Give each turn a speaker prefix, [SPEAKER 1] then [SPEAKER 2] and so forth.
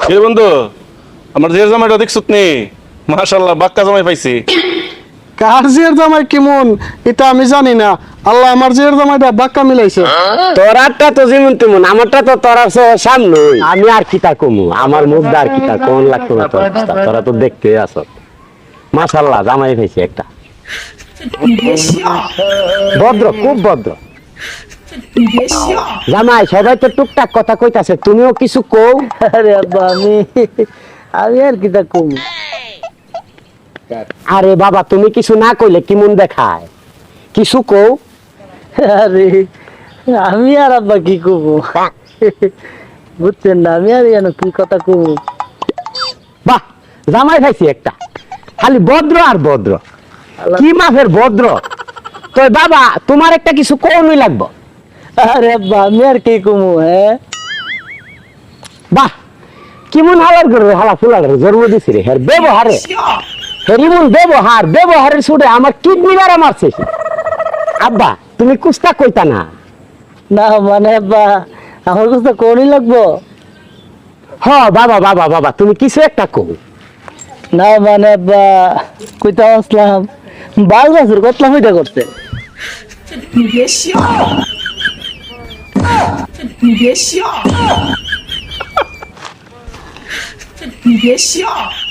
[SPEAKER 1] এ বন্ধু, আমার যে জামাইটা দেখছত নি, মাশাআল্লাহ বাক্কা জামাই পাইছি।
[SPEAKER 2] কার জিয়ার জামাই কেমন এটা আমি জানি না, আল্লাহ আমার জিয়ার জামাইটা বাক্কা মিলাইছে।
[SPEAKER 3] তোরারটা তো যেমন তেমন, আমারটা তো তোরা সামনে। আমি আর কি তা কমু, আমার মুখটা আর কি তা কোন লাগতো না তোর অবস্থা। তোরা তো দেখতে আস, মাশাআল্লাহ জামাই পাইছি একটা ভদ্র, খুব ভদ্র জামাই। সবাই তো টুকটাক কথা কইতাছে, তুমিও কিছু কও।
[SPEAKER 4] আরে আব্বা আমি আর কি তা কম।
[SPEAKER 3] আরে বাবা, তুমি কিছু না কইলে কি মন দেখায়, কিছু কও।
[SPEAKER 4] আরে আমি আর আব্বা কি কব, বুঝছেন না, আমি আর জানো কি কথা কব।
[SPEAKER 3] বাহ, জামাই খাইছি একটা, খালি ভদ্র আর ভদ্র। কি মাফের ভদ্র। তো বাবা, তোমার একটা কিছু কোনই লাগবো।
[SPEAKER 4] আরে আব্বা আমি আর কি কমু। হ্যাঁ
[SPEAKER 3] বাহ, কেমন হালার করে হালা ফুলার জন্ম দিছি রে। হের ব্যবহারে, হের ইমন ব্যবহারের ছুটে আমার কিডনি বাড়া মারছে সে। আব্বা, তুমি কুস্তা কইতা না।
[SPEAKER 4] না মানে আব্বা আমার কাছে কোনই লাগবো।
[SPEAKER 3] হ বাবা বাবা বাবা, তুমি কিছু একটা কও।
[SPEAKER 4] না মানে আব্বা কইতা আসলাম, 12 বছর কতলা হইটা করছে।
[SPEAKER 5] 你别笑。